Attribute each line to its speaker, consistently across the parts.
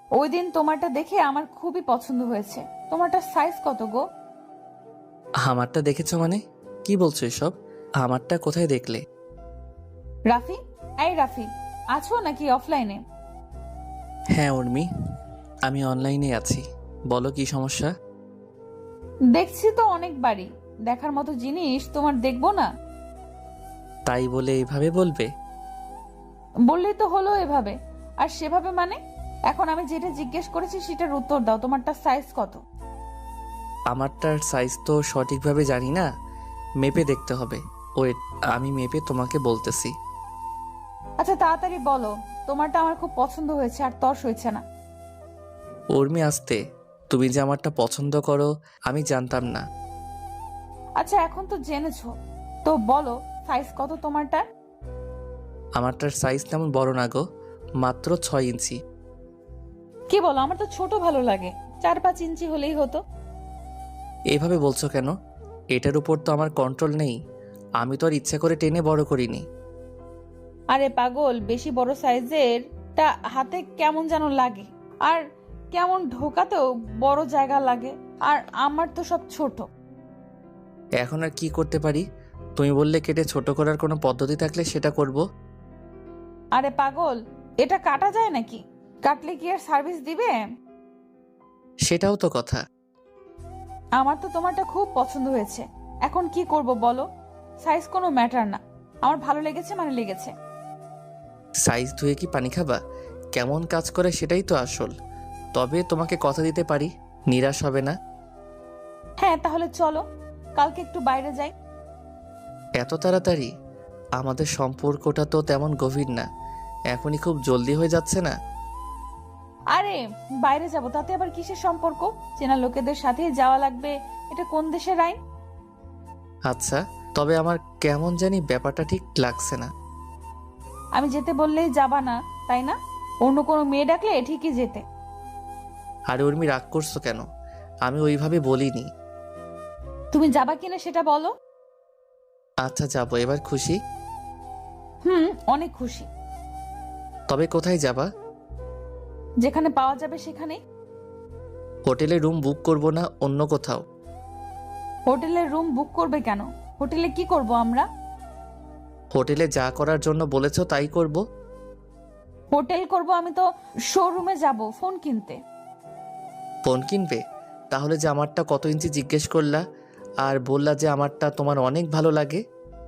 Speaker 1: ওই দিন তোমারটা দেখে আমার খুবই পছন্দ হয়েছে। তোমারটা সাইজ কত গো?
Speaker 2: আমারটা দেখেছো মানে? কি বলছো এসব? আমারটা কোথায় দেখলে?
Speaker 1: রাফি, এই রাফি, আছো নাকি অফলাইনে?
Speaker 2: হ্যাঁ উর্মি, আমি অনলাইনে আছি। বলো কি সমস্যা?
Speaker 1: দেখছি তো অনেকবারই। দেখার মতো জিনিস তোমার দেখবো না?
Speaker 2: তাই বলে এইভাবে বলবে?
Speaker 1: বললেই তো হলো এভাবে। আর সেভাবে মানে? এখন আমি যেটা জিজ্ঞেস করেছি সেটার উত্তর দাও। তোমারটা সাইজ কত?
Speaker 2: আমারটার সাইজ তো সঠিকভাবে জানি না, মেপে দেখতে হবে। ওয়েট, আমি মেপে তোমাকে বলতেছি।
Speaker 1: আচ্ছা তাড়াতাড়ি বলো। তোমারটা আমার খুব পছন্দ হয়েছে আর তর্স হয়েছে না।
Speaker 2: উর্মি আসতে, তুমি যে আমারটা পছন্দ করো আমি জানতাম না।
Speaker 1: আচ্ছা এখন তো জেনেছো, তো বলো সাইজ কত তোমারটা?
Speaker 2: আমারটার সাইজ তেমন বড় না গো, মাত্র 6 ইঞ্চি।
Speaker 1: কি বলো? আমার তো ছোট ভালো লাগে, 4-5 ইঞ্চি হলেই হতো।
Speaker 2: এইভাবে বলছো কেন? এটার উপর তো আমার কন্ট্রোল নেই। আমি তো আর ইচ্ছা করে টেনে বড় করিনি।
Speaker 1: আরে পাগল, বেশি বড় সাইজের টা হাতে কেমন যেন লাগে, আর কেমন ঢোকাতেও বড় জায়গা লাগে। আর আমার তো সব ছোট।
Speaker 2: এখন আর কি করতে পারি? তুমি বললে কেটে ছোট করার কোনো পদ্ধতি থাকলে সেটা করব।
Speaker 1: আরে পাগল, এটা কাটা যায় নাকি? কাটলে কি আর সার্ভিস দিবে?
Speaker 2: সেটাও তো কথা।
Speaker 1: আমার তো তোমারটা খুব পছন্দ হয়েছে। এখন কি করব বলো? সাইজ কোনো ম্যাটার না, আমার ভালো লেগেছে মানে লেগেছে।
Speaker 2: সাইজ ধুয়ে কি পানি খাবা? কেমন কাজ করে সেটাই তো আসল। তবে তোমাকে কথা দিতে পারি, নিরাশ হবে না।
Speaker 1: হ্যাঁ তাহলে চলো, কালকে একটু বাইরে যাই।
Speaker 2: এত তাড়াতাড়ি? আমাদের সম্পর্কটা তো তেমন গভীর না, এখনই খুব জলদি হয়ে যাচ্ছে না?
Speaker 1: আরে বাইরে যাব তাতে আবার কিসের সম্পর্ক? চেনা লোকেদের সাথে যাওয়া লাগবে, এটা কোন দেশের আইন?
Speaker 2: আচ্ছা, তবে আমার কেমন জানি ব্যাপারটা ঠিক লাগছে না।
Speaker 1: আমি যেতে বললেই যাবা না, তাই না? অন্য কোনো মেয়ে ডাকলে ঠিকই যেতে।
Speaker 2: আর উর্মি রাগ করছো কেন? আমি ওইভাবে বলিনি।
Speaker 1: তুমি যাবা কিনা সেটা বলো।
Speaker 2: আচ্ছা যাবো, এবার খুশি?
Speaker 1: হুম, অনেক খুশি।
Speaker 2: তবে কোথায় যাবা?
Speaker 1: যেখানে পাওয়া যাবে সেখানে।
Speaker 2: হোটেলে রুম বুক করব না অন্য কোথাও?
Speaker 1: হোটেলের রুম বুক করবে কেন? হোটেলে কি করব আমরা?
Speaker 2: হোটেলে যা করার জন্য বলেছো তাই করব।
Speaker 1: হোটেল করব আমি তো শোরুমে যাব ফোন কিনতে।
Speaker 2: ফোন কিনবে? তাহলে যে আমারটা কত ইঞ্চি জিজ্ঞেস করলা, আর বললা যে আমারটা তোমার অনেক ভালো লাগে।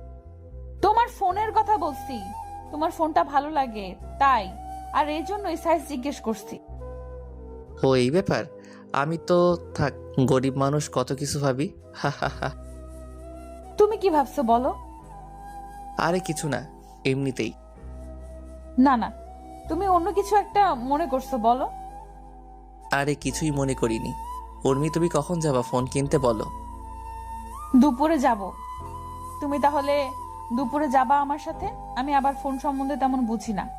Speaker 1: তোমার ফোনের কথা বলছি। তোমার ফোনটা ভালো লাগে তাই, আর এই জন্যই সাইজ জিজ্ঞেস করছি।
Speaker 2: ও এই ব্যাপার? আমি তো থাক, গরিব মানুষ কত কিছু ভাবি। হা হা হা।
Speaker 1: তুমি কি ভাবছো বলো?
Speaker 2: আরে কিছু না, এমনিতেই।
Speaker 1: না না, তুমি অন্য কিছু একটা মনে করছো, বলো।
Speaker 2: আরে কিছুই মনে করিনি। উর্মি তুমি কখন যাবা ফোন কিনতে বলো?
Speaker 1: দুপুরে যাব। তুমি তাহলে দুপুরে যাবা আমার সাথে? আমি আবার ফোন সম্বন্ধে তেমন বুঝি না।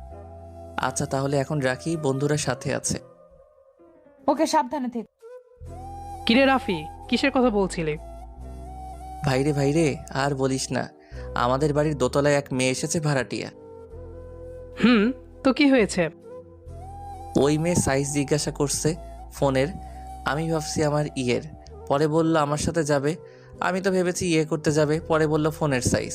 Speaker 2: আচ্ছা তাহলে এখন রাখি, বন্ধুরা সাথে আছে।
Speaker 1: ওকে, সাবধানে থেকো।
Speaker 3: কিরে রাফি, কিসের কথা বলছিলি?
Speaker 2: ভাইরে ভাইরে, আর বলিস না। আমাদের বাড়ির দোতলায় এক মেয়ে এসেছে, ভাড়াটিয়া।
Speaker 3: হুম, তো কি হয়েছে?
Speaker 2: ওই মেয়ে সাইজ জিজ্ঞাসা করছে ফোনের। আমি ভাবছি আমার ইয়ের, পরে বলল আমার সাথে যাবে। আমি তো ভেবেছি ইয়ে করতে যাবে, পরে বলল ফোনের সাইজ।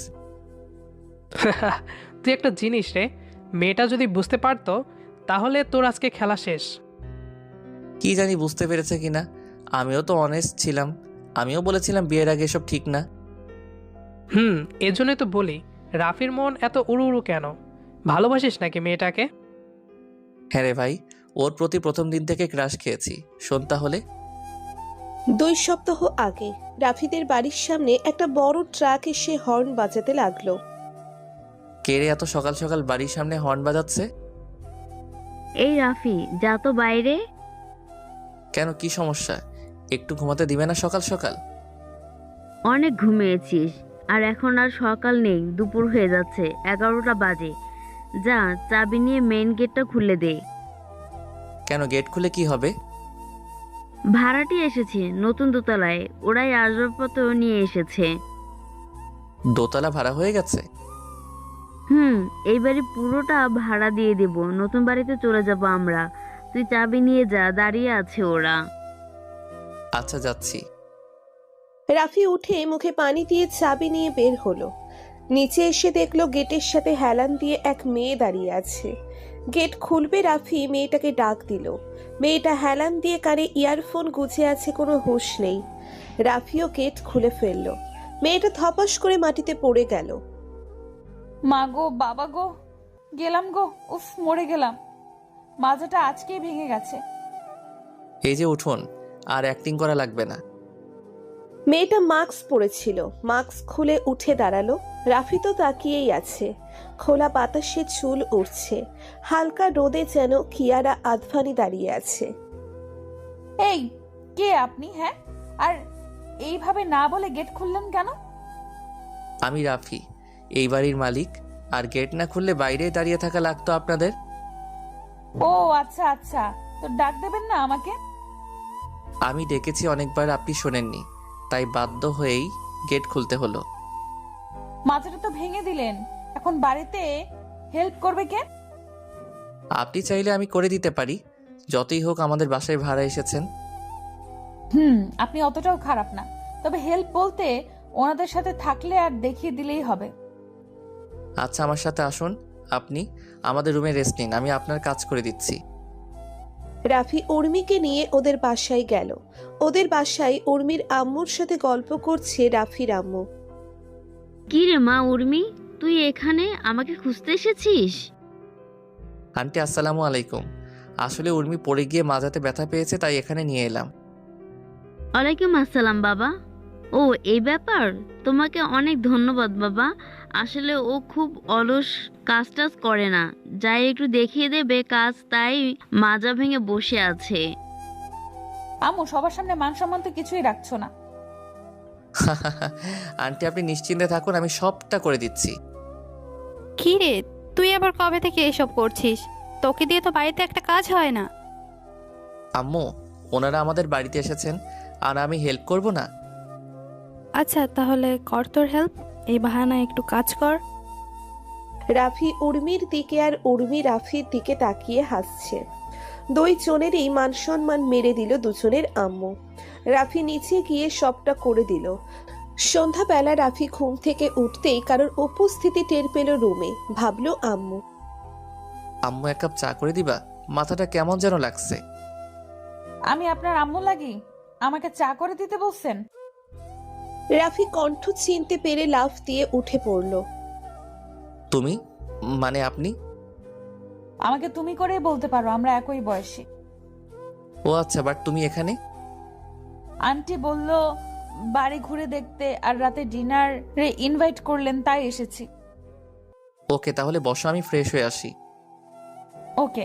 Speaker 3: তুই একটা জিনিস রে, মেয়েটা যদি বুঝতে পারতো তাহলে তোর আজকে খেলা শেষ।
Speaker 2: কি জানি বুঝতে পেরেছে কিনা। আমিও তো অনেস্ট ছিলাম, আমিও বলেছিলাম বিয়ের আগে এসব ঠিক না।
Speaker 3: হুম, এজন্যই তো বলি, রাফির মন এত উড়ু উড়ু কেন? ভালোবাসিস নাকি মেয়েটাকে?
Speaker 2: হ্যাঁ রে ভাই, ওর প্রতি প্রথম দিন থেকে ক্রাশ খেয়েছি। শোন তাহলে।
Speaker 4: 2 সপ্তাহ আগে রাফিদের বাড়ির সামনে একটা বড় ট্রাক এসে হর্ন বাজাতে লাগলো।
Speaker 2: কে রে এত সকাল সকাল বাড়ির সামনে হর্ন বাজাচ্ছে?
Speaker 5: এই রাফি, যা তো বাইরে।
Speaker 2: কেন, কি সমস্যা? একটু ঘুমাতে দিবে না সকাল সকাল?
Speaker 5: অনেক ঘুমিয়েছিস, আর এখন আর সকাল নেই, দুপুর হয়ে যাচ্ছে, 11টা বাজে। যা, চাবি নিয়ে মেইন গেটটা খুলে দে।
Speaker 2: কেন, গেট খুলে কি হবে?
Speaker 5: ভাড়াটি এসেছে নতুন দোতলায়, ওরাই আসবাবপত্র নিয়ে এসেছে।
Speaker 2: দোতলা ভাড়া হয়ে গেছে?
Speaker 5: হুম, এই বাড়ি পুরোটা ভাড়া দিয়ে দেব, নতুন বাড়িতে চলে যাব আমরা। তুই তুই চাবি নিয়ে যা, দাঁড়িয়ে আছে ওরা।
Speaker 2: আচ্ছা যাচ্ছি।
Speaker 4: রাফি উঠে মুখে পানি দিয়ে চাবি নিয়ে বের হলো। নিচে এসে দেখলো গেটের সাথে হেলান দিয়ে এক মেয়ে দাঁড়িয়ে আছে। গেট খুলবে রাফি মেয়েটাকে ডাক দিল। মেয়েটা হেলান দিয়ে কানে ইয়ারফোন গুজে আছে, কোনো হুঁশ নেই। রাফিও গেট খুলে ফেললো। মেয়েটা ধপাস করে মাটিতে পড়ে গেল।
Speaker 1: মা গো, বাবা গো, গেলাম গো, উফ মরে গেলাম। মাজাটা আজকেই ভেঙে গেছে।
Speaker 2: এই যে উঠুন, আর অ্যাক্টিং করা লাগবে না।
Speaker 4: মেয়েটা মাস্ক পরেছিল, মাস্ক খুলে উঠে দাঁড়ালো। রাফি তো তাকিয়েই আছে। খোলা বাতাসে চুল উড়ছে, হালকা রোদে যেন কিয়ারা আদভানি দাঁড়িয়ে আছে।
Speaker 1: এই কে আপনি? হ্যাঁ, আর এইভাবে না বলে গেট খুললেন কেন?
Speaker 2: আমি রাফি, এই বাড়ির মালিক। আর গেট না খুললে বাইরে দাঁড়িয়ে থাকা লাগতো আপনাদের।
Speaker 1: ও আচ্ছা আচ্ছা, তো ডাক দেবেন না আমাকে?
Speaker 2: আমি ডেকেছি অনেকবার, আপনি শোনেননি, তাই বাধ্য হয়েই গেট খুলতে হলো।
Speaker 1: মাজাটা তো ভেঙে দিলেন, এখন বাড়িতে হেল্প করবে কে?
Speaker 2: আপনি চাইলে আমি করে দিতে পারি, যতই হোক আমাদের বাসায় ভাড়া এসেছেন।
Speaker 1: আপনি অতটাও খারাপ না, তবে হেল্প বলতে ওনাদের সাথে থাকলে আর দেখিয়ে দিলেই হবে।
Speaker 2: আচ্ছা আমার সাথে আসুন, আপনি আমাদের রুমে রেস্ট নিন, আমি আপনার কাজ করে দিচ্ছি।
Speaker 4: রাফি উর্মিকে নিয়ে ওদের বাসায় গেল। ওদের বাসায় উর্মির আম্মুর সাথে গল্প করছে রাফির আম্মু।
Speaker 5: কি রে মা উর্মি, তুই এখানে আমাকে খুঁজতে এসেছিস?
Speaker 2: আন্টি আসসালামু আলাইকুম। আসলে উর্মি পড়ে গিয়ে মাজাতে ব্যথা পেয়েছে, তাই এখানে নিয়ে এলাম।
Speaker 5: ওয়ালাইকুম আসসালাম বাবা। ও এই ব্যাপার, তোমাকে অনেক ধন্যবাদ বাবা। আসলে ও খুব অলস, কাজ টাজ করে না, যাই একটু দেখিয়ে দেবে কাজ, তাই মাজা ভেঙে বসে আছে।
Speaker 1: আম্মু, সবার সামনে মান সম্মান তো কিছুই রাখছো না।
Speaker 2: আন্টি আপনি নিশ্চিন্তে থাকুন, আমি সবটা করে দিচ্ছি।
Speaker 6: কি রে, তুই আবার কবে থেকে এসব করছিস? তোকে দিয়ে তো বাড়িতে একটা কাজ হয় না।
Speaker 2: আম্মু, ওনারা আমাদের বাড়িতে এসেছেন, আর আমি হেল্প করব না?
Speaker 6: আচ্ছা তাহলে কর তোর হেল্প, এই বাহানা একটু কাজ কর।
Speaker 4: রাফি উর্মির দিকে আর উর্মি রাফির দিকে তাকিয়ে হাসছে। দুই জনেরই মান সম্মান মেরে দিল দুজনের আম্মু। রাফি নিচে গিয়ে সবটা করে দিল। সন্ধ্যাবেলা রাফি ঘুম থেকে উঠতেই কারোর উপস্থিতি টের পেল রুমে। ভাবলো আম্মু।
Speaker 2: আম্মু এক কাপ চা করে দিবা? মাথাটা কেমন যেন লাগছে।
Speaker 1: আমি আপনার আম্মু লাগি? আমাকে চা করে দিতে বলছেন?
Speaker 4: রাফি কণ্ঠ চিনতে পেরে লাফ দিয়ে উঠে পড়ল।
Speaker 2: তুমি মানে আপনি?
Speaker 1: আমাকে তুমি করেই বলতে পারো, আমরা একই বয়সী।
Speaker 2: ও আচ্ছা, বাট তুমি এখানে?
Speaker 1: আন্টি বলল বাড়ি ঘুরে দেখতে, আর রাতে ডিনারে ইনভাইট করলেন, তাই এসেছি।
Speaker 2: ওকে তাহলে বসো, আমি ফ্রেশ হয়ে আসি।
Speaker 1: ওকে।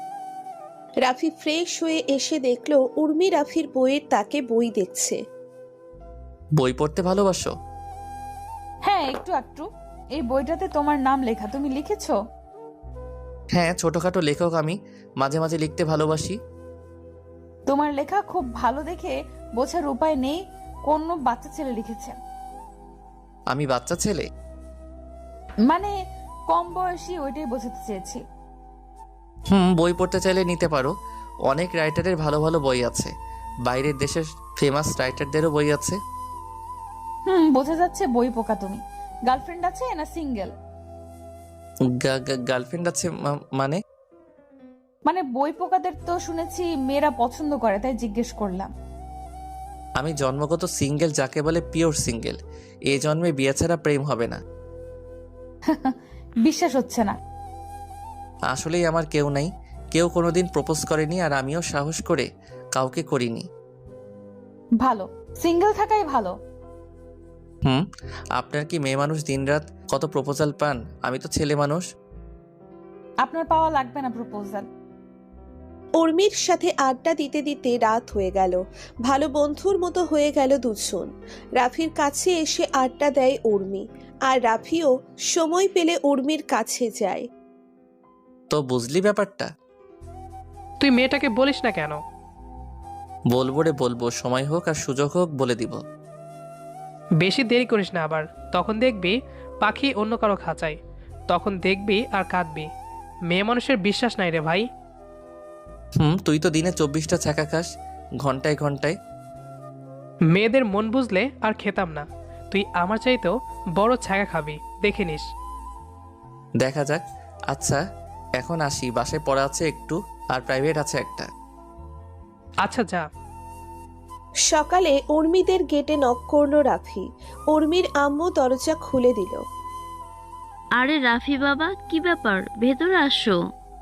Speaker 4: রাফি ফ্রেশ হয়ে এসে দেখলো উর্মি রাফির বইয়ের তাকে বই দেখছে।
Speaker 2: বই পড়তে ভালোবাসো?
Speaker 1: হ্যাঁ, একটু একটু। এই বইটাতে তোমার নাম লেখা, তুমি লিখেছো?
Speaker 2: হ্যাঁ, ছোটখাটো লেখক আমি, মাঝে মাঝে লিখতে ভালোবাসি।
Speaker 1: তোমার লেখা খুব ভালো দেখে বোঝার উপায় নেই কোন বাচ্চা ছেলে লিখেছে।
Speaker 2: আমি বাচ্চা ছেলে?
Speaker 1: মানে কম বয়সী, ওইটাই বোঝাতে চেয়েছি।
Speaker 2: বই পড়তে চাইলে নিতে পারো, অনেক রাইটারের ভালো ভালো বই আছে, বাইরের দেশের ফেমাস রাইটারদেরও বই আছে।
Speaker 1: বোঝা যাচ্ছে বই পোকা তুমি। গার্লফ্রেন্ড আছে না সিঙ্গেল?
Speaker 2: গার্লফ্রেন্ড আছে মানে?
Speaker 1: মানে বই পোকাদের তো শুনেছি মেয়েরা পছন্দ করে, তাই জিজ্ঞেস করলাম।
Speaker 2: আমি জন্মগত সিঙ্গেল, যাকে বলে পিওর সিঙ্গেল। এই জন্মে বিয়ে ছাড়া প্রেম হবে না।
Speaker 1: বিশ্বাস হচ্ছে না।
Speaker 2: আসলেই আমার কেউ নাই, কেউ কোনোদিন প্রপোজ করেনি, আর আমিও সাহস করে কাউকে করিনি।
Speaker 1: ভালো, সিঙ্গেল থাকাই ভালো।
Speaker 2: আপনার কি মেয়ে মানুষ দিনরাত কত প্রপোজাল পান? আমি তো ছেলে মানুষ।
Speaker 1: আপনার পাওয়া লাগবে না প্রপোজাল।
Speaker 4: উর্মির সাথে আড্ডা দিতে দিতে রাত হয়ে গেল। ভালো বন্ধুর মতো হয়ে গেল দুজন। রাফির কাছে এসে আড্ডা দেয় উর্মি, আর রাফিও সময় পেলে উর্মির কাছে যায়।
Speaker 2: তো বুঝলি ব্যাপারটা?
Speaker 3: তুই মেয়েটাকে বলিস না কেন?
Speaker 2: বলবো রে বলবো, সময় হোক আর সুযোগ হোক বলে দিব।
Speaker 3: বেশি দেরি করিস না আবার, তখন দেখবি পাখি অন্য কারো খাঁচায়, তখন দেখবি আর কাঁদবি। মেয়ে মানুষের বিশ্বাস নাই রে ভাই।
Speaker 2: তুই তো দিনে 24টা ছ্যাঁকা খাস, ঘন্টায় ঘন্টায়।
Speaker 3: মেয়েদের মন বুঝলে আর খেতাম না। তুই আমার চাইতেও বড় ছ্যাঁকা খাবি, দেখে নিস।
Speaker 2: দেখা যাক। আচ্ছা এখন আসি, বাসায় পড়া আছে একটু, আর প্রাইভেট আছে একটা।
Speaker 3: আচ্ছা যা।
Speaker 4: সকালে উর্মিদের গেটে নক করলো রাফি। উর্মির আম্মু দরজা খুলে দিল।
Speaker 5: আরে রাফি বাবা, কি ব্যাপার, ভেতরে আসো।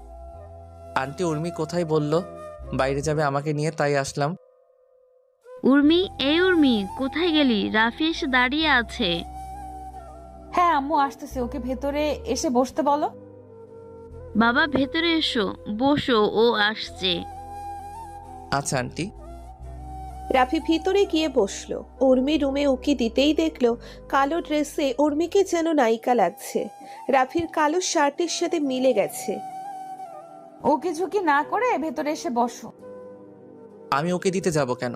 Speaker 2: আন্টি উর্মি কোথায় বললো বাইরে যাবে আমাকে নিয়ে, তাই আসলাম।
Speaker 5: উর্মি, এই উর্মি, কোথায় গেলি? রাফি এসে দাঁড়িয়ে আছে।
Speaker 1: হ্যাঁ আম্মু আসতেছে, ওকে ভেতরে এসে বসতে বলো।
Speaker 5: বাবা ভেতরে এসো, বসো, ও আসছে।
Speaker 2: আচ্ছা আন্টি।
Speaker 4: রাফি ভিতরে গিয়ে বসলো। উর্মি রুমে উকি দিতেই দেখলো কালো ড্রেসে উর্মিকে যেন নায়িকা লাগছে। রাফির কালো শার্টের সাথে মিলে গেছে।
Speaker 1: ওকে ঝুঁকি না করে ভেতরে এসে বসো।
Speaker 2: আমি ওকে দিতে যাব কেন?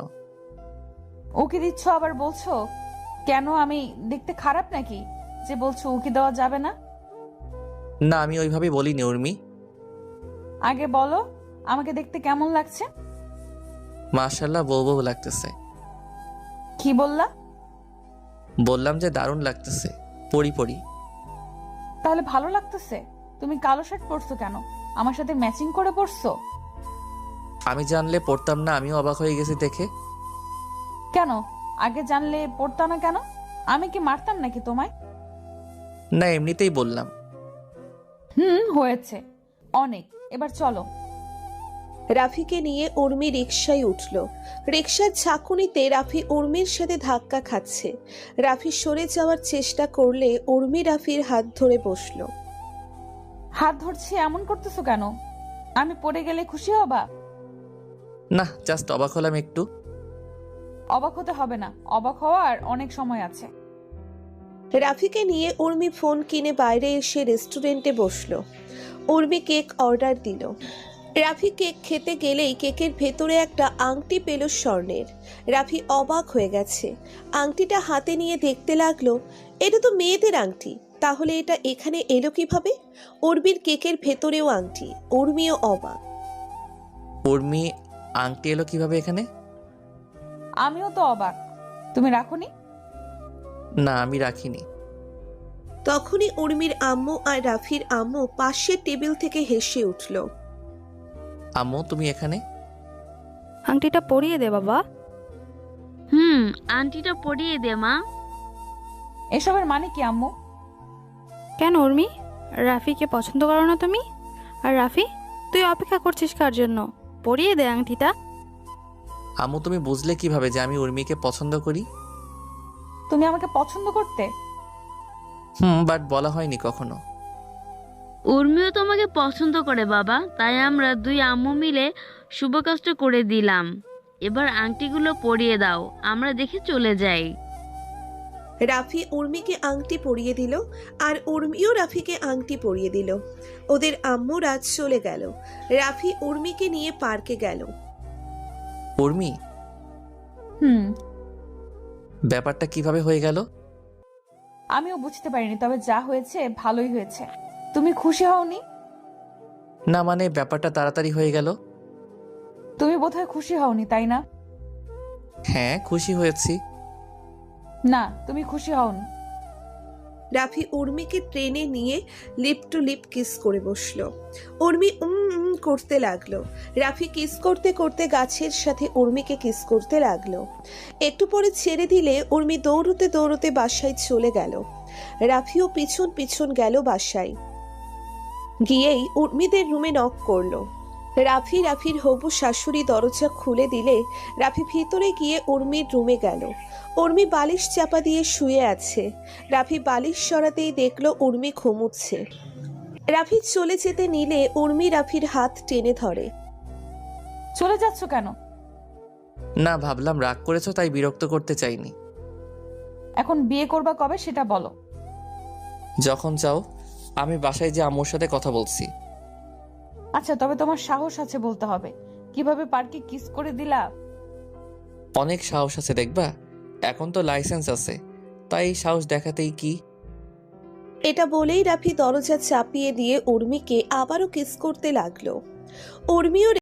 Speaker 1: ওকে দিচ্ছ আবার বলছো কেন? আমি দেখতে খারাপ নাকি যে বলছো উকি দেওয়া যাবে না?
Speaker 2: না আমি ওইভাবে বলিনি উর্মি।
Speaker 1: আগে বলো আমাকে দেখতে কেমন লাগছে।
Speaker 2: মাশাআল্লাহ বউ বউ লাগতেছে।
Speaker 1: কি বললা?
Speaker 2: বললাম যে দারুণ লাগতেছে, পরি পরি।
Speaker 1: তাহলে ভালো লাগতেছে। তুমি কালো শার্ট পরছো কেন? আমার সাথে ম্যাচিং করে পরছো?
Speaker 2: আমি জানলে পড়তাম না, আমিও অবাক হয়ে গেছি দেখে।
Speaker 1: কেন আগে জানলে পরতা না কেন? আমি কি মারতাম নাকি তোমায়?
Speaker 2: না এমনিতেই বললাম।
Speaker 1: হয়েছে অনেক, এবার চলো।
Speaker 4: রাফিকে নিয়ে উর্মি রিকশায় উঠল। রিকশার ঝাঁকুনিতে রাফি উর্মির সাথে ধাক্কা খাচ্ছে। রাফি সরে যাওয়ার চেষ্টা করলে উর্মি রাফির হাত ধরে বসলো।
Speaker 1: হাত ধরছি এমন করতেছো কেন? আমি পড়ে গেলে খুশি হবা?
Speaker 2: না জাস্ট অবাক হলাম একটু।
Speaker 1: অবাক হতে হবে না, অবাক হওয়ার অনেক সময় আছে।
Speaker 4: রাফিকে নিয়ে উর্মি ফোন কিনে বাইরে এসে রেস্টুরেন্টে বসলো। উর্মি কেক অর্ডার দিল। রাফি কেক খেতে গেলেই কেকের ভেতরে একটা আংটি পেল স্বর্ণের। রাফি অবাক হয়ে গেছে। আংটিটা হাতে নিয়ে দেখতে লাগলো, এটা তো মেয়েদের আংটি, তাহলে এটা এখানে এলো কিভাবে? উর্মির কেকের ভেতরেও আংটি। উর্মিও অবাক।
Speaker 2: উর্মি আংটি এলো কিভাবে এখানে?
Speaker 1: আমিও তো অবাক। তুমি রাখোনি?
Speaker 2: না আমি রাখিনি।
Speaker 4: তখনই উর্মির আম্মু আর রাফির আম্মু পাশের টেবিল থেকে হেসে উঠল।
Speaker 2: আম্মু তুমি এখানে?
Speaker 6: আংটিটা পরিয়ে দে বাবা।
Speaker 5: আন্টিটা পরিয়ে দে মা।
Speaker 1: এসবের মানে কি আম্মু?
Speaker 6: কেন উর্মি, রাফিকে পছন্দ করো না তুমি? আর রাফি, তুই অপেক্ষা করছিস কার জন্য? পরিয়ে দে আংটিটা।
Speaker 2: আম্মু তুমি বুঝলে কিভাবে যে আমি উর্মিকে পছন্দ করি?
Speaker 1: তুমি আমাকে পছন্দ করতে?
Speaker 2: বাট বলা হয়নি কখনো।
Speaker 5: উর্মিও তোমাকে পছন্দ করে বাবা, তাই আমরা দুই আম্মু মিলে শুভ কাজটা করে দিলাম। এবার আংটিগুলো পরিয়ে দাও, আমরা দেখে চলে যাই।
Speaker 4: রাফি উর্মিকে আংটি পরিয়ে দিল আর উর্মিও রাফিকে আংটি পরিয়ে দিল। ওদের আম্মু রাত চলে গেল। রাফি উর্মিকে নিয়ে পার্কে গেল।
Speaker 2: উর্মি
Speaker 1: হুম
Speaker 2: ব্যাপারটা কিভাবে হয়ে গেল?
Speaker 1: আমিও বুঝতে পারিনি, তবে যা হয়েছে ভালোই হয়েছে। তুমি খুশি হওনি?
Speaker 2: না মানে ব্যাপারটা তাড়াতাড়ি হয়ে গেল।
Speaker 1: তুমি বোধহয় খুশি হওনি, তাই না?
Speaker 2: হ্যাঁ খুশি হয়েছি।
Speaker 1: না তুমি খুশি হওনি।
Speaker 4: রাফি উর্মিকে ট্রেনে নিয়ে লিপ টু লিপ কিস করে বসলো। উর্মি করতে লাগলো। রাফি কিস করতে করতে গাছের সাথে উর্মিকে কিস করতে লাগলো। একটু পরে ছেড়ে দিলে উর্মি দৌড়তে দৌড়তে বাসায় চলে গেল। রাফিও পিছন পিছন গেল বাসায়। গিয়েই উর্মিদের রুমে নক করলো। রাফির হবু শাশুড়ি দরজা খুলে দিলে রাফি ভিতরে গিয়ে উর্মির রুমে গেল। উর্মি বালিশ চাপা দিয়ে শুয়ে আছে। রাফি বালিশ সরাতেই দেখলো উর্মি ঘুমুচ্ছে। রাফি চলে যেতে নিলে উর্মি রাফির হাত টেনে ধরে।
Speaker 1: চলে যাচ্ছ কেন?
Speaker 2: না ভাবলাম রাগ করেছো তাই বিরক্ত করতে চাইনি।
Speaker 1: এখন বিয়ে করবা কবে সেটা বলো।
Speaker 2: যখন চাও। আমি বাসায় যে আম্মুর সাথে কথা বলছি।
Speaker 1: আচ্ছা তবে তোমার সাহস আছে বলতে হবে। কিভাবে পার্কে কিস করে দিলা?
Speaker 2: অনেক সাহস আছে দেখবা, এখন তো লাইসেন্স আছে, তাই সাহস দেখাতেই কি।
Speaker 4: এটা বলেই রাফি দরজা চাপিয়ে দিয়ে উর্মিকে আবারও কিস করতে লাগলো। উর্মিও